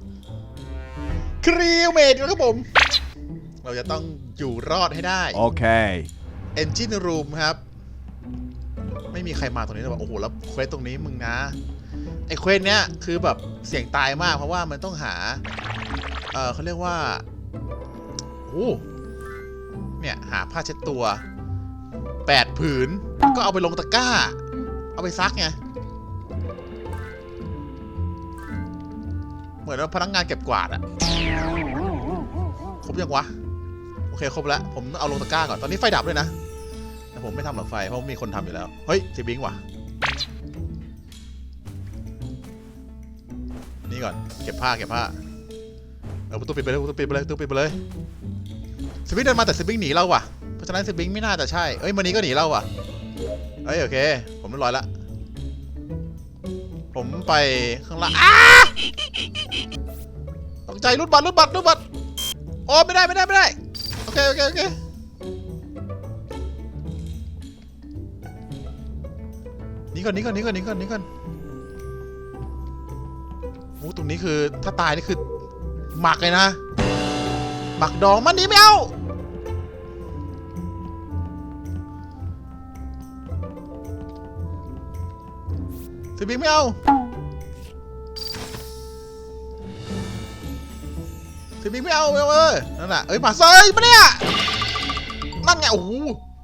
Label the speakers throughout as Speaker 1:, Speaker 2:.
Speaker 1: ครีวเมดครับผมเราจะต้องอยู่รอดให้ได้โอเคเอนจินรูมครับไม่มีใครมาตรงนี้เลยว่าโอ้โหแล้วเควสตรงนี้มึงนะไอ้เควสเนี้ยคือแบบเสี่ยงตายมากเพราะว่ามันต้องหาเขาเรียกว่าโอ้เนี่ยหาผ้าเช็ดตัว8 ผืนก็เอาไปลงตะกร้าเอาไปซักไงเหมือนว่าพนักงานเก็บกวาดอะครบยังวะโอเคครบแล้วผมเอาลงตะกร้าก่อนตอนนี้ไฟดับด้วยนะแต่ผมไม่ทำหรอกไฟเพราะมีคนทำอยู่แล้วเฮ้ยซีบิงว่ะนี่ก่อนเก็บผ้าประตูปิดไปเลยประตูปิดไปเลยซีบิงเดินมาแต่ซีบิงหนีเราว่ะเพราะฉะนั้นซีบิงไม่น่าจะใช่เอ้ยมันนี้ก็หนีเราว่ะเอ้ยโอเคผมเรียบร้อยละผมไปข้างล่างตกใจรูดบัตรโอ้ไม่ได้โอเคนี่ก่อนโอ้ตรงนี้คือถ้าตายนี่คือหมักเลยนะหมักดองมันนี้ไม่เอาสิบิงไม่เอาเลยนั่นน่ะเอ้ยมาเซยมาเนี่ยนั่นไงโอ้โห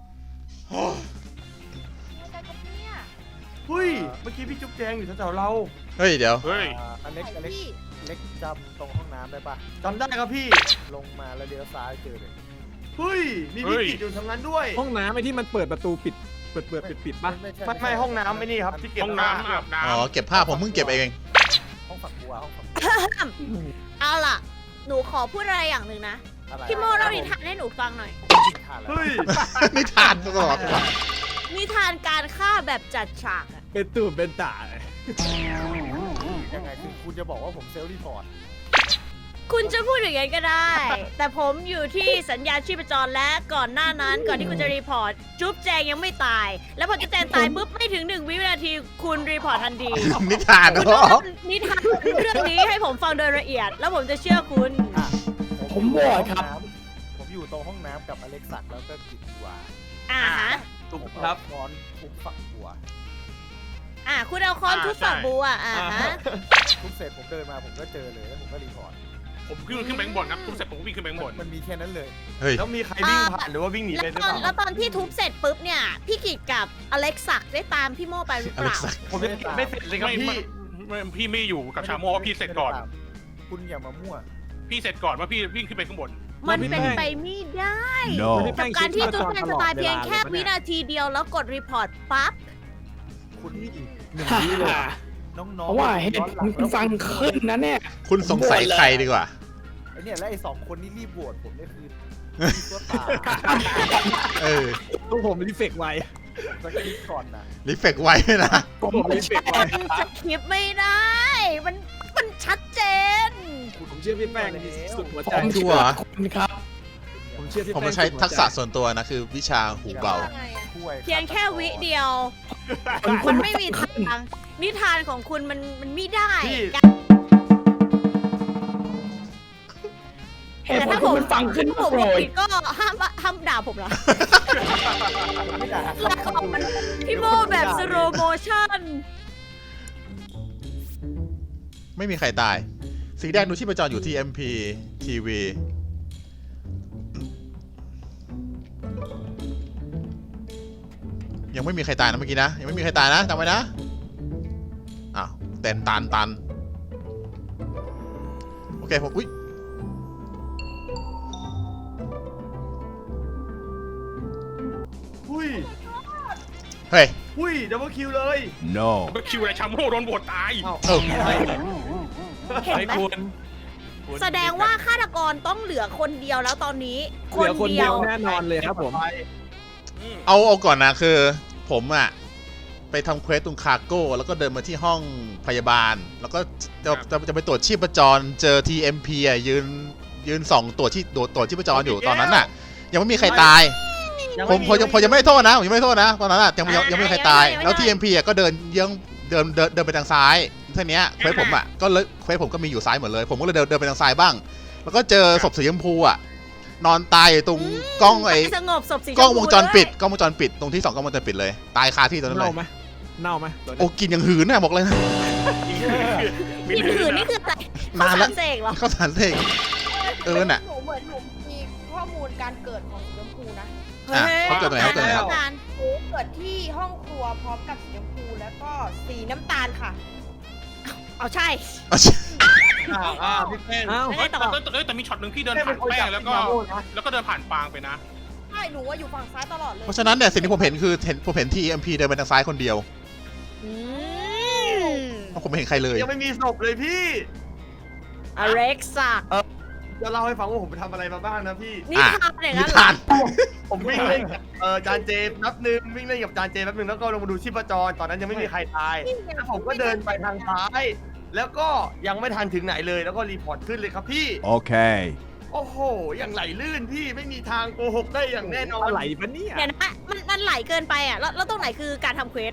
Speaker 2: เฮ้ยเมื่อกี้พี่จุ๊บแจงอยู่แถวๆเรา
Speaker 1: เฮ้ยเดี๋ยว
Speaker 3: อเล็กจำตรงห้องน้ำได้ปะ
Speaker 2: จำได้ครับพี่
Speaker 3: ลงมาแล้วเลี้ยวซ้ายเจอเลย
Speaker 2: เฮ้ยมีพี่กิจอยู่ทางนั้นด้วย
Speaker 4: ห้องน้ำไอ้ที่มันเปิดประตูปิดปิดป่ะ
Speaker 2: ไม่ห้องน้ำไม่นี่ครับที่เก็บ
Speaker 5: ห้องน้ำอาบน้ำ
Speaker 1: อ๋อเก็บผ้าผมเพิ่งเก็บเอง
Speaker 3: ห้องฝักบัว
Speaker 6: เอาล่ะหนูขอพูดอะไรอย่างหนึ่งนะพี่โมเล่านิทานให้หนูฟังหน่อย
Speaker 2: เฮ้ย
Speaker 1: นิทานตลอด
Speaker 6: นิทานการฆ่าแบบจัดฉากอะ
Speaker 4: เป็นตูดเป็นตาเลย
Speaker 3: ยังไงคือคุณจะบอกว่าผมเซลล์รีพอร์ต
Speaker 6: คุณจะพูดอย่างนั้นก็ได้ แต่ผมอยู่ที่สัญญาณชีพจรและก่อนหน้านั้นก่อนที่คุณจะรีพอร์ตจุ๊บแจงยังไม่ตายแล้วพอจุ๊บแจงตายปุ๊บไม่ถึง1 วินาทีคุณรีพอร์ตทันที
Speaker 1: นิทานเหรอ
Speaker 6: นิทานเรื่องนี้ให้ผมฟังโดยละเอียดแล้วผมจะเชื่อคุณ
Speaker 3: ผมบอกครับผมอยู่ตรงห้องน้ำกับอเล็กซักแล้วก็กินบัว
Speaker 6: ฮะ
Speaker 2: ถูกครับ
Speaker 3: นอนทุบฝักบัว
Speaker 6: คุณเอาค้อนทุบฝักบัวฮะ
Speaker 3: ทุบเสร็จผมเดินมาผมก็เจอเลยแล้วผมก็รีพอร์ต
Speaker 5: ผมขึ้นแบงค์บนครับทุบเสร็จผมวิ่งขึ้นแบงค์บน
Speaker 3: มันมีแค่นั้นเลย
Speaker 2: แล้วมีใครวิ่งผ่านหรือว่าวิ่งหนีไปหรือเปล่า
Speaker 6: แล้วตอนที่ทุบเสร็จปุ๊บเนี่ยพี่กิจกับอเล็กซักได้ตามพี่โมไปหรือเปล่า
Speaker 2: ผมไม่เสร็จเลยครับ
Speaker 5: พี่ไม่อยู่กับชาโมว่าพี่เสร็จก่อน
Speaker 3: คุณอย่ามามั่ว
Speaker 5: พี่เสร็จก่อนว่าพี่วิ่งขึ้นไปข้างบน
Speaker 6: มันเป็นไปไม่ได้กับการที่จุ๊บแจงจะตายเพียงแค่วินาทีเดียวแล้วกดรีพอร์ตปั๊บ
Speaker 3: คุณ1 วิเลยน้องๆ
Speaker 4: เพราะว่าเห็นคุณฟังขึ้นนะเนี่ย
Speaker 1: คุณสงสัยใครดีกว่า
Speaker 3: ไอเนี่ยและไอ้2 คนนี่รีบโหวตผมนี่คือตัวตา
Speaker 4: ต้องผมรีเฟกไว
Speaker 3: สคริปก่อนนะ
Speaker 1: รีเฟกไวนะ
Speaker 4: ผมรีเฟกไว
Speaker 6: สคริปไม่ได้มันชัดเจน
Speaker 4: ผมเชื่อพี่แป้งสุดหัวใจ
Speaker 1: ชัวร์
Speaker 4: ครับ
Speaker 1: ผมมาใช้ทักษะส่วนตัวนะคือวิชาหูเบา
Speaker 6: เพียงแค่วิเดียวมันไม่มีทางนิทานของคุณมันไม่ได้แต่ถ้าผม
Speaker 4: ฟังขึ้น
Speaker 6: ผมผิดก็ห้ามด่าผมเหรอแล้วก็มันพี่โมแบบสโลโมชั่น
Speaker 1: ไม่มีใครตายสีแดงดูชีพจรอยู่ที่ MP TV ยังไม่มีใครตายนะเมื่อกี้นะยังไม่มีใครตายนะจำไว้นะอ้าวตันโอเคผมเฮ้
Speaker 2: ยดับเบิลคิวเลย
Speaker 1: no
Speaker 5: ดับเบิลคิวอะไรชาโมโดนโหวตตาย
Speaker 6: เห็นไหมแสดงว่าฆาตกรต้องเหลือคนเดียวแล้วตอนนี้
Speaker 4: คนเดียวแน่นอนเลยครับผม
Speaker 1: เอาก่อนนะคือผมไปทำเควสตรงคาร์โก้แล้วก็เดินมาที่ห้องพยาบาลแล้วก็จะไปตรวจชีพจรเจอ TMP ยืน2ตรวจชีพจรอยู่ตอนนั้นยังไม่มีใครตายผมยังไม่โทษนะผมยังไม่โทษนะตอนนั้นยังไม่มีใครตายแล้ว TMP ก็เดินไปทางซ้ายทีเนี้ยเควสผมอ่ะก็เลยเควสผมก็มีอยู่ซ้ายหมดเลย ผมก็เลยเดินไปทางซ้ายบ้าง แล้วก็เจอศพสีชมพูอ่ะนอนตายอยู่ตรงกล้องไอ้
Speaker 6: สงบศพสีชมพู
Speaker 1: กล้องวงจรปิด
Speaker 6: ด้วย
Speaker 1: กล้องวงจรปิดตรงที่2กล้องวงจรปิดเลยตายคาที่ตรงนั้นเล
Speaker 4: เน่าย ไหมเน่าไหมตัว
Speaker 1: โอ้
Speaker 4: เนี้ย
Speaker 1: กินอย่างหืนน่ะบอกเลยนะ
Speaker 6: กินหืนนี่คืออะไร
Speaker 1: นานแล้ว
Speaker 6: ข้วสรเสกเหรอ
Speaker 1: ข้าวสารเสกน่ะ
Speaker 7: หนูเหมือนหนูมีข้อมูลการเกิดของสีชมพูนะ
Speaker 1: อ่ะเขาเกิดตรงไหนเขาเกิดตรงไหนครับ
Speaker 7: หนูเกิดที่ห้องครัวพร้อมกับสีชมพูแล้วก็สีน้ำตาลค่ะ
Speaker 6: เอาใช่
Speaker 2: พี่แป้ง
Speaker 4: อ้าว
Speaker 6: ไม่
Speaker 5: เฮ้
Speaker 6: ได้
Speaker 5: ย
Speaker 6: ต่อ
Speaker 5: แต่มีช็อตหนึ่งพี่เดินผ่านแป้งแล้วก็เดินผ่านปางไปนะ
Speaker 7: ใช่หนูว่าอยู่ฝั่งซ้ายตลอดเลย
Speaker 1: เพราะฉะนั้นเนี่ยสิ่งที่ผมเห็นคือผมเห็น TMP เดินไปทางซ้ายคนเดียว
Speaker 6: อืม
Speaker 1: เพราะผมไม่เห็นใครเลย
Speaker 2: ยังไม่มีศพเลยพี่
Speaker 6: อเล็กซัก
Speaker 2: จะเล่าให้ฟังว่าผมไปทำอะไรมาบ้างนะพี่
Speaker 6: นี่ทำอย่าง
Speaker 1: นิ
Speaker 6: นั้นเหร
Speaker 1: ทา
Speaker 6: อน
Speaker 2: ผมวิ่งเล่นกับจานเจแป๊บนึงวิ่งเล่นกับจานเจแป๊บนึงแล้วก็ลงมาดูชีพจรตอนนั้นยังไม่มีใครตายแล้วผมก็เดินไปทางซ้าย แล้วก็ยังไม่ทันถึงไหนเลยแล้วก็รีพอร์ตขึ้นเลยครับพี่
Speaker 8: Okay.
Speaker 2: โอ้โหอย่างไหลลื่นพี่ไม่มีทางโกหกได้อย่างแน่นอน
Speaker 4: อะไรปะเนี่ย
Speaker 6: เดี๋ยวนะมันไหลเกินไปอ่ะแล้วตรงไหนคือการทำเควส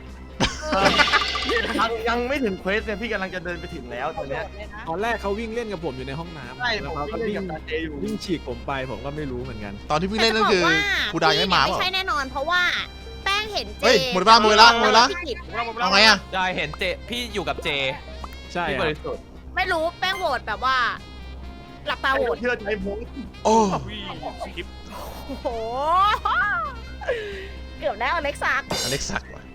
Speaker 2: ยังไม่ถึงเควสเนี่ยพี่กำลังจะเดินไปถึงแล้วตอนเนี้ย
Speaker 7: เลยนะ
Speaker 4: ตอนแรกเขาวิ่งเล่นกับผมอยู่ในห้องน้ำ
Speaker 2: ใช่
Speaker 4: แล้ว
Speaker 2: ผม
Speaker 4: เขาก็
Speaker 2: วิ่ง
Speaker 4: วิ่
Speaker 2: เล่น
Speaker 4: ง
Speaker 2: กับจานเจอยู่
Speaker 4: วิ่งฉีกผมไปผมก็ไม่รู้เหมือนกัน
Speaker 1: ตอนที่พี่เล่นนั่นคือครูดาวยังไม่มา
Speaker 6: ไม่
Speaker 1: เปล่า
Speaker 6: ใช่แน่นอน เพราะว่าแป้งเห็นเจ
Speaker 1: เฮ้ยหมดเวลาหมดเวลาหมดเวลา
Speaker 6: พี่กิจ
Speaker 1: เอาไงอะ
Speaker 9: ได้เห็นเจพี่อยู่กับเจ
Speaker 4: ใช่
Speaker 9: พี่
Speaker 4: ค
Speaker 9: บ
Speaker 4: รับ
Speaker 9: ริสุทธิ์
Speaker 6: ไม่รู้แป้งโหวตแบบว่า หลับตาโหวต
Speaker 2: เชื่อใจผม
Speaker 1: โอ้
Speaker 5: วิ่งสคริปต์
Speaker 6: โอ้โหเกือบได้อเล็กซัก
Speaker 1: อเล็กซักว่ะ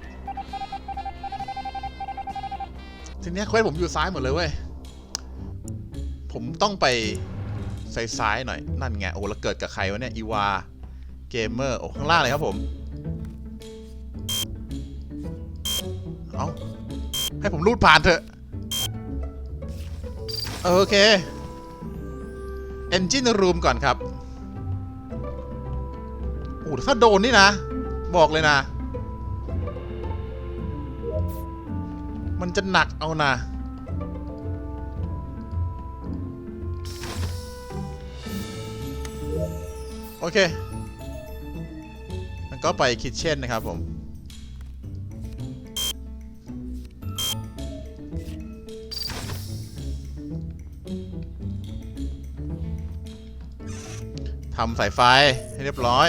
Speaker 1: ทีเนี้ยเควสผมอยู่ซ้ายหมดเลยเว้ย ผมต้องไปซ้ายๆหน่อย นั่นไง โอ้แล้วเกิดกับใครวะเนี่ย อีวา เกมเมอร์ โอ้ ข้างล่างเลยครับผม เอาให้ผมรูดผ่านเถอะ โอเค Engine Room ก่อนครับ โอ้ถ้าโดนนี่นะ บอกเลยนะ มันจะหนักเอานะ โอเค มันก็ไปคิทเช่นนะครับผม ทำสายไฟให้เรียบร้อย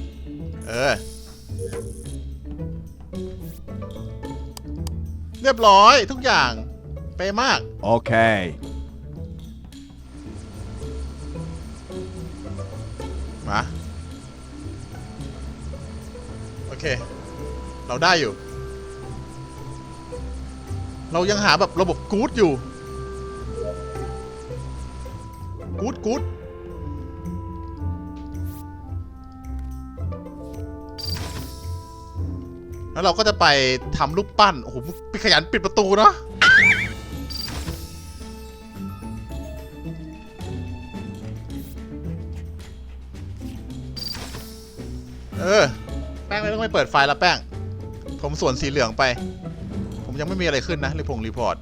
Speaker 1: เรียบร้อยทุกอย่าง เป๊ะมาก
Speaker 8: Okay.
Speaker 1: มาโอเค เราได้อยู่ เรายังหาแบบระบบกู๊ดอยู่ กู๊ดแล้วเราก็จะไปทำรูปปั้น โอ้โหพี่ขยันปิดประตูเนาะแป้งไม่ต้องไปเปิดไฟแล้วแป้ง ผมส่วนสีเหลืองไป ผมยังไม่มีอะไรขึ้นนะรีพอร์ต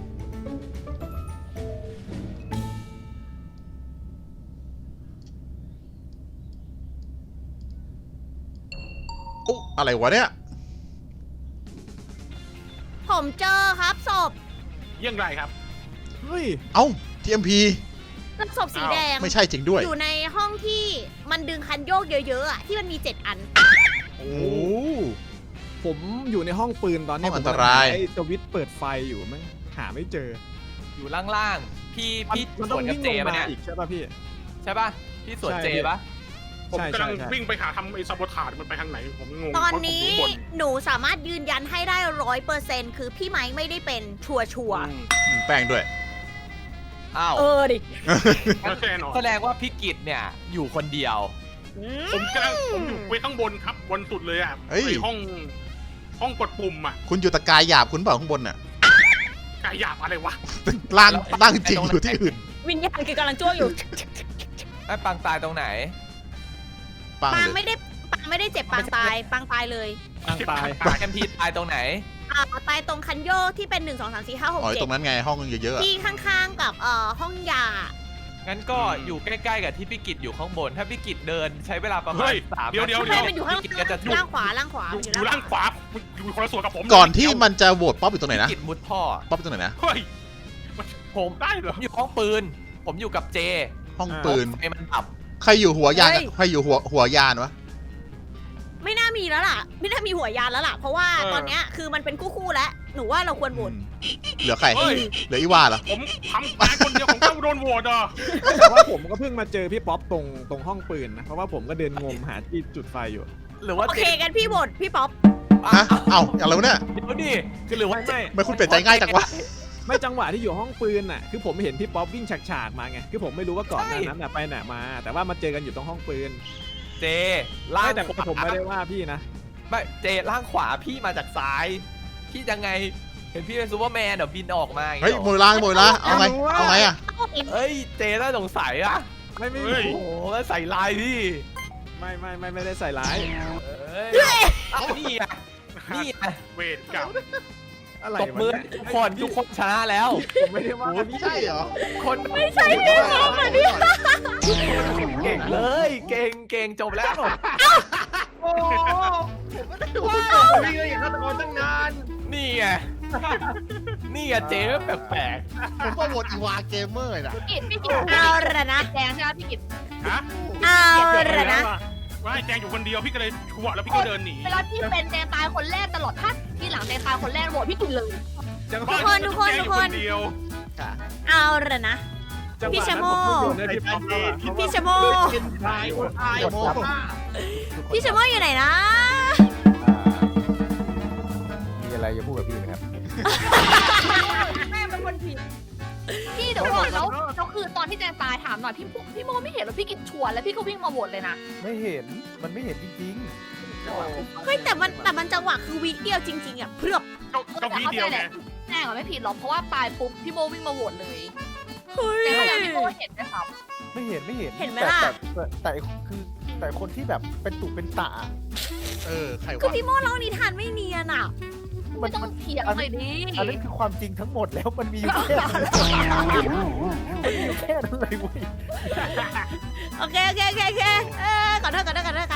Speaker 1: โอ้อะไรวะเนี่ย
Speaker 6: ผมเจอครับศพ
Speaker 5: เยี่ยงไรครับ
Speaker 4: เฮ้ย
Speaker 1: เอ้า TMP
Speaker 6: ศพสีแดง
Speaker 1: ไม่ใช่จริงด้วย
Speaker 6: อยู่ในห้องที่มันดึงคันโยกเยอะๆอ่ะที่มันมี 7 อัน
Speaker 1: โอ้
Speaker 4: ผมอยู่ในห้องปืนตอนนี้
Speaker 1: ห้องอันตราย
Speaker 4: ไอ้สวิตช์เปิดไฟอยู่มั้งหาไม่เจอ
Speaker 9: อยู่ล่างๆพี่
Speaker 4: มัน
Speaker 9: ส
Speaker 4: ต้อ
Speaker 9: วน
Speaker 4: ง
Speaker 9: กับ
Speaker 4: วิ่ง
Speaker 9: เจ
Speaker 4: ลง
Speaker 9: ปะ
Speaker 4: มา
Speaker 9: เนี่ย
Speaker 4: อีกใช่ป่ะพี่
Speaker 9: ใช่ป่ะพี่สวน
Speaker 4: ใช่
Speaker 9: เจปะ
Speaker 5: ผม
Speaker 4: ใช่
Speaker 5: กำลัง
Speaker 4: ใช่
Speaker 5: วิ่งไปหาทำไอ้ซาโบทาร์มันไปทางไหนผมงง
Speaker 6: ตอนนี้
Speaker 5: ผมบน
Speaker 6: หนูสามารถยืนยันให้ได้100%คือพี่ไม้ไม่ได้เป็นชัวร์
Speaker 1: แป้งด้วย
Speaker 9: อ้าว
Speaker 6: ๆดิ
Speaker 5: แน่นอน
Speaker 9: แสดงว่าพี่กิตเนี่ยอยู่คนเดียว
Speaker 6: อืม
Speaker 5: ผมอยู่ไว้ข้างบนครับบนสุดเลยอ่ะ
Speaker 1: เฮ้ย
Speaker 5: ไอ้ห้องกดปุ่มอ่ะ
Speaker 1: คุณอยู่ตะกายหยาบคุณเปล่าข้างบนน่ะ
Speaker 5: กายหยาบอะไรวะ
Speaker 1: ล่างจริงอยู่ที่อื่น
Speaker 6: วิญญาณคือกำลังจ้วงอยู่
Speaker 9: ไอ้ปังตายตรงไหน
Speaker 1: ปัง
Speaker 6: ปาง
Speaker 1: เลย
Speaker 6: ไม่ได้เจ็บปางตายปางตายเลย
Speaker 4: ทางตาย
Speaker 9: เอ็มพีตายตรงไหน
Speaker 6: ตายตรงคันโยกที่เป็น1 2 3 4 5
Speaker 1: อ๋อ
Speaker 6: 6
Speaker 1: ตรงนั้นไงห้องเยอะๆอะ
Speaker 6: 7ที่ข้างๆกับห้องยา
Speaker 9: งั้นก็อยู่ใกล้ๆกับที่พี่กิจอยู่ข้างบน ถ้าพี่กิจเดินใช้เวลาประมา
Speaker 5: เฮ้
Speaker 9: ณ
Speaker 5: ย
Speaker 9: 3
Speaker 5: เดี๋ยว
Speaker 6: ทำไมมันอยู่ข้าง
Speaker 9: พี่กิจก็จะถูก
Speaker 6: ล่างขวาล่างขวา
Speaker 5: อยู่ล่างขวาอยู่คนละส่วนกับผม
Speaker 1: ก่อนที่มันจะโหวตป๊อปอยู่ตรงไหนนะ
Speaker 9: พี่กิจมุดท่อ
Speaker 1: ป๊อปอยู่ตรงไหนนะ
Speaker 5: เฮ้ย
Speaker 9: ผม
Speaker 5: ได้เหรอ
Speaker 9: อยู่ห้องปืน ผมอยู่กับเจ
Speaker 1: ห้องปืน
Speaker 9: ไฟมันดับ
Speaker 1: ใครอยู่หัวยานใครอยู่หัวยานวะ
Speaker 6: ไม่น่ามีแล้วล่ะ ไม่น่ามีหัวยานแล้วล่ะ เพราะว่าตอนเนี้ยคือมันเป็นคู่ๆแล้ว หนูว่าเราควรโหวต
Speaker 1: เหลือใคร
Speaker 5: เฮ้ย
Speaker 1: เหลืออีวาเหรอ
Speaker 5: ผมทำตายคนเดียวผมก็โดนโหวตอ่ะ
Speaker 4: แต่ว่าผมก็เพิ่งมาเจอพี่ป๊อปตรงห้องปืนนะ เพราะว่าผมก็เดินงมหาที่จุดไฟอยู่
Speaker 9: หรือว่า
Speaker 6: โอ
Speaker 9: เจ
Speaker 6: เคกันพี่โหวตพี่ป๊อป
Speaker 1: ฮะ เอ้าอะไรวะเนี่ย
Speaker 9: เดี๋ยวดิคือหรือว่าเจ
Speaker 1: ไม่คุณเปลี่ยนใจง่ายจังวะ
Speaker 4: ไม่จังหวะที่อยู่ห้องปืนน่ะ คือผมเห็นพี่ป๊อปวิ่งฉากๆมาไง คือผมไม่รู้ว่าก่อนหน้านั้นน่ะไปไหนมา แต่ว่ามาเจอกันอยู่ตรงห้องปืน
Speaker 9: เจล่าง
Speaker 4: ไม่แต่
Speaker 9: ขวา
Speaker 4: ผมไม่ได้ว่าพี่นะ
Speaker 9: ไม่เจล่างขวาพี่มาจากซ้าย พี่ยังไง เห็นพี่เป็นซูเปอร์แมนเดี๋ยวบินออกมาอย่าง
Speaker 1: เฮ้ย
Speaker 9: งี้
Speaker 1: โมยละโมยละเอาไง เอาไงอะ
Speaker 9: เฮ้ยเจน่าสงสัยอะ
Speaker 4: ไม่
Speaker 5: เฮ้ย
Speaker 9: โอ้โหแล้วใส่ลายพี่
Speaker 4: ไม่ได้ใส่ร้าย
Speaker 9: เอ้ยเอานี่ไงนี่ไง
Speaker 5: เวทกรรม
Speaker 4: อะไร
Speaker 9: ตบมือ
Speaker 4: วะ
Speaker 9: ทุกคนชนะแล้ว
Speaker 4: ผมไม่ได้ว่าพี่
Speaker 1: ใช่เหรอ
Speaker 9: คนไม่ใช่พี่เก่งเลยเก่งจบแล้ว
Speaker 2: โอ้โหผมไม่ได้ว่าวิ่งเลยอย่างฆาตกรตั้งนาน
Speaker 9: นี่ไงนี่ไงเจ๊แปลก
Speaker 1: ผมว่าโหวตอีวาเกมเมอร์นะ
Speaker 7: พี่กิต
Speaker 6: เอาละนะ
Speaker 7: แดงใช่ไหมพี่กิต
Speaker 5: ฮะ
Speaker 6: เอาละนะ
Speaker 5: ว่าแจงอยู่คนเดียวพี่ก็เลยชั่วแล้วพี่ก็เดินหนี
Speaker 7: เวลาพี่เป็นแดงตายคนแรกตลอดถ้าที่หลังแดงตายคนแรกโหวตพี่กิตเลย
Speaker 4: จังห
Speaker 6: ทุ
Speaker 4: วะ
Speaker 6: กคนทุกคน
Speaker 5: แจงอยู่
Speaker 6: ทุกคน
Speaker 5: เดียว
Speaker 6: เอาละนะ
Speaker 4: จังหวะ
Speaker 6: พี่ชะโม
Speaker 4: นั้นผมก็โยนให้พี่ป๊อปแล้วอะ
Speaker 6: พี่ชะโม
Speaker 2: เป็นตายคนตายหมด
Speaker 6: พี่ชะโมอยู่ไหนนะ
Speaker 3: มีอะไรจะพูดกับพี่ไหมครับ
Speaker 7: แม่เป็นคนผิดพี่เดี๋ยวก่อนแล้วคือตอนที่แดงตายถามหน่อยพี่โมไม่เห็นแล้วพี่กิตชวนแล้วพี่ก็วิ่งมาโหวตเลยนะ
Speaker 3: ไม่เห็น มันไม่เห็นจริง
Speaker 6: เฮ้ยแต่มันจังหวะคือวิเดียวจริงๆอ่ะเพือบ
Speaker 5: ก็พี่เดียวไง
Speaker 7: แน่ก็ไม่ผิดหรอกเพราะว่าตายปุ๊บพี่โมวิ่งมาโหวตเลย
Speaker 6: เฮ้ย
Speaker 7: แต่ก็ยังพี่โมเห็นนะครับ
Speaker 3: ๆ ไม่เห็น
Speaker 6: เห็นไหมล่ะ
Speaker 3: แต่คนที่แบบเป็นตุเป็นตะ
Speaker 1: ใคร
Speaker 6: คือ
Speaker 1: วะ
Speaker 6: พี่โมเล่านิทานไม่เนียนอ่ะ
Speaker 7: ไม่ต้องเถียงเลยดิ
Speaker 3: อันนั้นคือความจริงทั้งหมดแล้วมันมีอยู่แค่นั้นมันมีอยู่แค่นั้นเลยเว้ย
Speaker 6: โอเคขอโทษ